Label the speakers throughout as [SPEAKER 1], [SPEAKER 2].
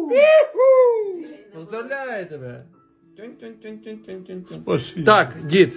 [SPEAKER 1] Поздравляю тебе.
[SPEAKER 2] Спасибо.
[SPEAKER 1] Так, дід.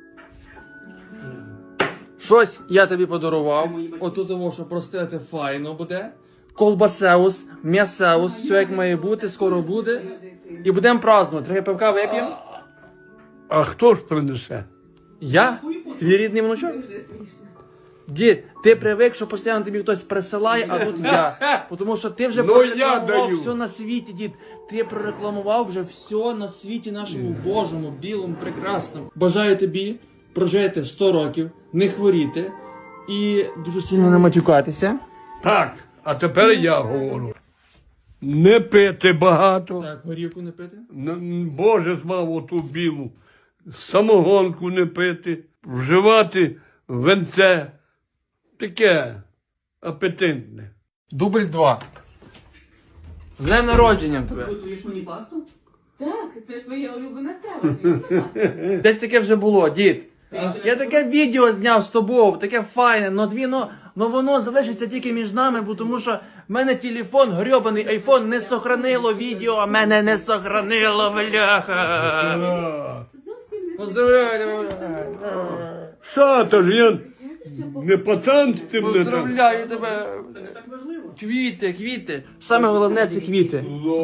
[SPEAKER 1] Щось я тобі подарував. Отут тому, що простити файно буде. Колбасеус, м'ясеус, все як має бути, скоро буде. І будемо празднувати. Трохи пивка вип'ємо.
[SPEAKER 2] А хто ж принесе?
[SPEAKER 1] Я? Твій рідний внучок? Дід, ти привик, що постійно тобі хтось присилає, а тут я. Тому що ти вже
[SPEAKER 2] Ну, я
[SPEAKER 1] прорекламував
[SPEAKER 2] даю.
[SPEAKER 1] все на світі, дід. Ти прорекламував вже все на світі нашому Божому, білому, прекрасному. Бажаю тобі прожити 100 років, не хворіти і дуже сильно не матюкатися.
[SPEAKER 2] Так, а тепер я говорю. Не пити багато.
[SPEAKER 1] Так, горівку не пити.
[SPEAKER 2] Боже змав оту білу. Самогонку не пити. Вживати венце. Таке апетитне.
[SPEAKER 1] Дубль 2. З днем народженням тебе.
[SPEAKER 3] Готуєш мені пасту? Так, це ж твоя улюблена страва, звісно, паста.
[SPEAKER 1] Десь таке вже було, дід. Я таке відео зняв з тобою, таке файне, но воно залишиться тільки між нами, бо тому що в мене телефон, грьобаний айфон, не сохранило відео, а мене не сохранило, бляха.
[SPEAKER 3] Зовсім не
[SPEAKER 1] Поздравляю,
[SPEAKER 2] Що, то ж я не пацан з цим не так.
[SPEAKER 1] поздравляю тебе.
[SPEAKER 3] Це не так важливо.
[SPEAKER 1] Квіти, квіти. Саме головне це квіти.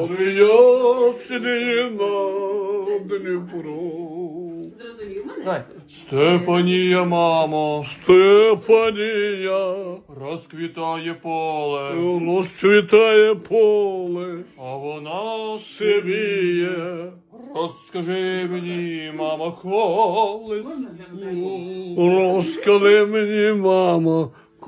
[SPEAKER 3] Зрозумів мене?
[SPEAKER 1] Давай. Стефанія, мамо,
[SPEAKER 2] Стефанія,
[SPEAKER 1] розквітає поле,
[SPEAKER 2] розцвітає поле,
[SPEAKER 1] а вона
[SPEAKER 2] сивіє.
[SPEAKER 1] розкажи мені, мамо, колись.
[SPEAKER 3] Можна глянути?
[SPEAKER 2] Розкали мені, мамо,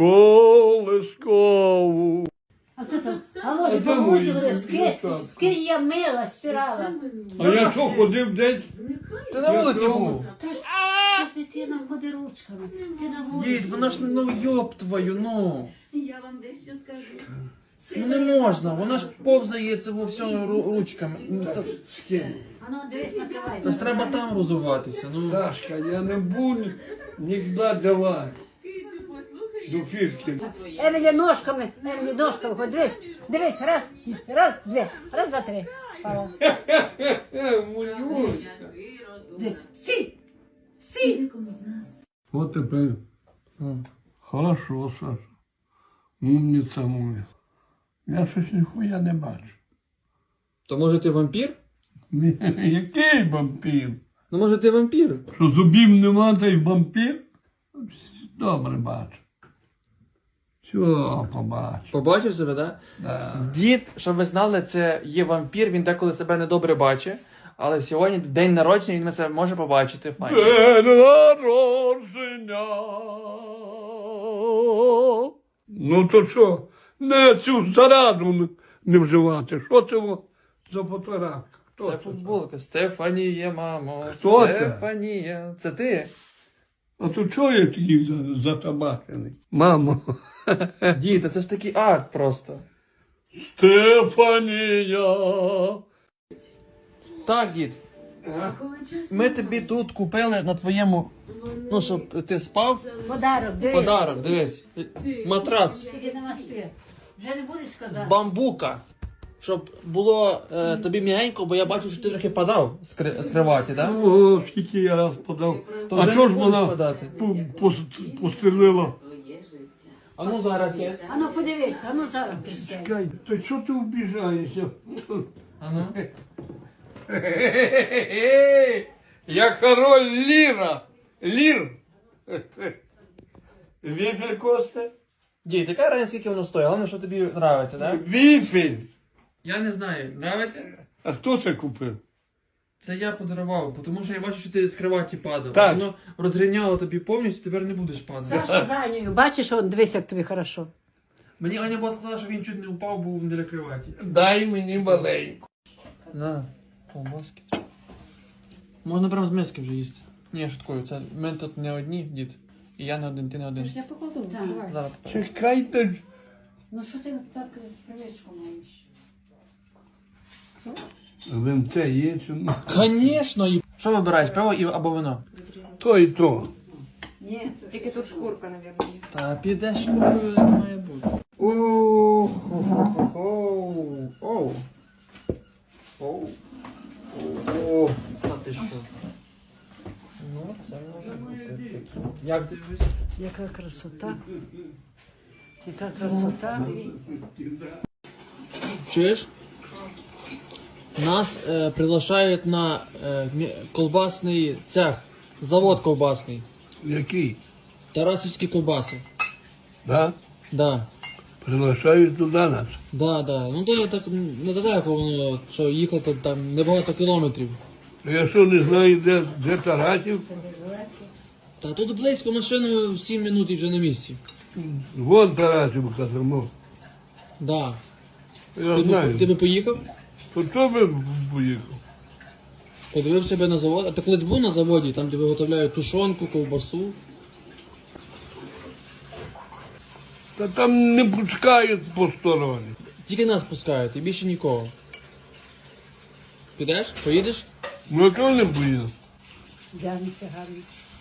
[SPEAKER 2] колискову.
[SPEAKER 4] А це там, Володя,
[SPEAKER 2] де мої
[SPEAKER 4] помучили,
[SPEAKER 2] дівчата?
[SPEAKER 4] скинь я мила, стирала.
[SPEAKER 2] А я що, ходив десь?
[SPEAKER 1] Ти на вулиці був.
[SPEAKER 4] Та ж дитина ходить ручками, ти на вулиці.
[SPEAKER 1] Дід, вона ж, ну, йоб твою, ну.
[SPEAKER 3] Я вам дещо скажу.
[SPEAKER 1] Ну не можна, вона ж повзає це во всьому ручками. Ну,
[SPEAKER 4] А ну, дивись, накривай.
[SPEAKER 1] Це ж треба там розуватися, ну.
[SPEAKER 2] Сашка, я не буду ніколи давати
[SPEAKER 3] Кицю, послухай.
[SPEAKER 2] до фішки.
[SPEAKER 4] Емілі ножками, хоч дивись, дивись, раз, дві, раз, два, три. Пала.
[SPEAKER 2] Мулюська.
[SPEAKER 4] Дивись, сі.
[SPEAKER 2] От тепер. Хорошо, Саша. Умниця моя. Я щось ніхуя не бачу.
[SPEAKER 1] То може ти вампір?
[SPEAKER 2] Який вампір?
[SPEAKER 1] Ну може ти вампір?
[SPEAKER 2] Що зубів нема, та й вампір? Добре бачу. Все, побачу.
[SPEAKER 1] Побачив себе, так?
[SPEAKER 2] Да.
[SPEAKER 1] Дід, щоб ви знали, це є вампір, він деколи себе недобре бачить. Але сьогодні день народження, він це може побачити. Файно.
[SPEAKER 2] День народження. Ну то що? Не цю зараду не вживати. Що це за фотографія? Хто
[SPEAKER 1] Це футболка. Стефанія, мамо.
[SPEAKER 2] Хто це?
[SPEAKER 1] Стефанія. Це ти?
[SPEAKER 2] А то чого я такий затабачений? Мамо.
[SPEAKER 1] Дід, це ж такий акт просто.
[SPEAKER 2] Стефанія.
[SPEAKER 1] Так, дід.
[SPEAKER 3] Коли час
[SPEAKER 1] Ми тобі тут купили на твоєму, ну, щоб ти спав.
[SPEAKER 4] Подарок, дивись.
[SPEAKER 1] Подарок, дивись. Матрац
[SPEAKER 4] Тільки намасти. Вже не будеш
[SPEAKER 1] з
[SPEAKER 4] казати.
[SPEAKER 1] бамбука. Щоб було тобі м'ягенько, бо я бачу, що ти трохи падав з криваті, так?
[SPEAKER 2] О, скільки я раз подав.
[SPEAKER 1] То
[SPEAKER 2] А
[SPEAKER 1] вже
[SPEAKER 2] що
[SPEAKER 1] не
[SPEAKER 2] ж
[SPEAKER 1] будеш
[SPEAKER 2] вона
[SPEAKER 1] подати.
[SPEAKER 2] пострілила?
[SPEAKER 3] своє життя.
[SPEAKER 1] А ну зараз є.
[SPEAKER 4] А ну подивись, а ну зараз присядь.
[SPEAKER 2] Чекай, то що ти вбіжаєшся?
[SPEAKER 1] А ну.
[SPEAKER 2] Я король Ліра. Лір. Віфель Косте?
[SPEAKER 1] Дід, яка разниця, скільки воно стоїть? Головне, що тобі подобається, так?
[SPEAKER 2] Віфель.
[SPEAKER 1] Я не знаю, подобається?
[SPEAKER 2] А хто це купив?
[SPEAKER 1] Це я подарував, тому що я бачу, що ти з криваті падав.
[SPEAKER 2] Так.
[SPEAKER 1] Воно розрівняло тобі повністю, тепер не будеш падати.
[SPEAKER 4] Саша за нею, бачиш, от дивись, як тобі хорошо.
[SPEAKER 1] Мені Аня була сказала, що він чуть не упав, був біля криваті.
[SPEAKER 2] Дай мені маленьку.
[SPEAKER 1] На, колбаски. Можна прямо з миски вже їсти. Ні, я шуткую, це ми тут не одні, дід. І я не один, ти не один.
[SPEAKER 4] Я покладу. Так.
[SPEAKER 1] Зараз.
[SPEAKER 2] Чекайте ж.
[SPEAKER 4] Ну що ти так привичку маєш?
[SPEAKER 2] Винце є чи ні?
[SPEAKER 1] Звісно! Що вибираєш, пиво або вино?
[SPEAKER 2] То і то.
[SPEAKER 4] Ні,
[SPEAKER 5] Тільки тут шкурка, мабуть, є.
[SPEAKER 1] Та підеш, купою, не має бути. Оу. Як дивись?
[SPEAKER 4] Яка красота. Яка красота.
[SPEAKER 1] Чуєш? Нас приглашають на колбасний цех, завод ковбасний.
[SPEAKER 2] Який?
[SPEAKER 1] Тарасівські ковбаси.
[SPEAKER 2] Да?
[SPEAKER 1] Да.
[SPEAKER 2] Приглашають туди нас.
[SPEAKER 1] Да. Ну то я так недалеко воно, що їхати там небагато кілометрів.
[SPEAKER 2] А я що не знаю, де Тарасів?
[SPEAKER 1] Та тут близько машиною 7 минут і вже на місці.
[SPEAKER 2] Вон Тарасівка тому.
[SPEAKER 1] Да.
[SPEAKER 2] Я знаю.
[SPEAKER 1] Ти би поїхав?
[SPEAKER 2] То хто би поїхав?
[SPEAKER 1] Подивив себе на завод. А ти колись був на заводі, там де виготовляють тушонку, ковбасу.
[SPEAKER 2] Та там не пускають посторонні.
[SPEAKER 1] Тільки нас пускають, і більше нікого. Підеш? Поїдеш?
[SPEAKER 2] Ну, а чого не поїду?
[SPEAKER 4] Дянися гарно.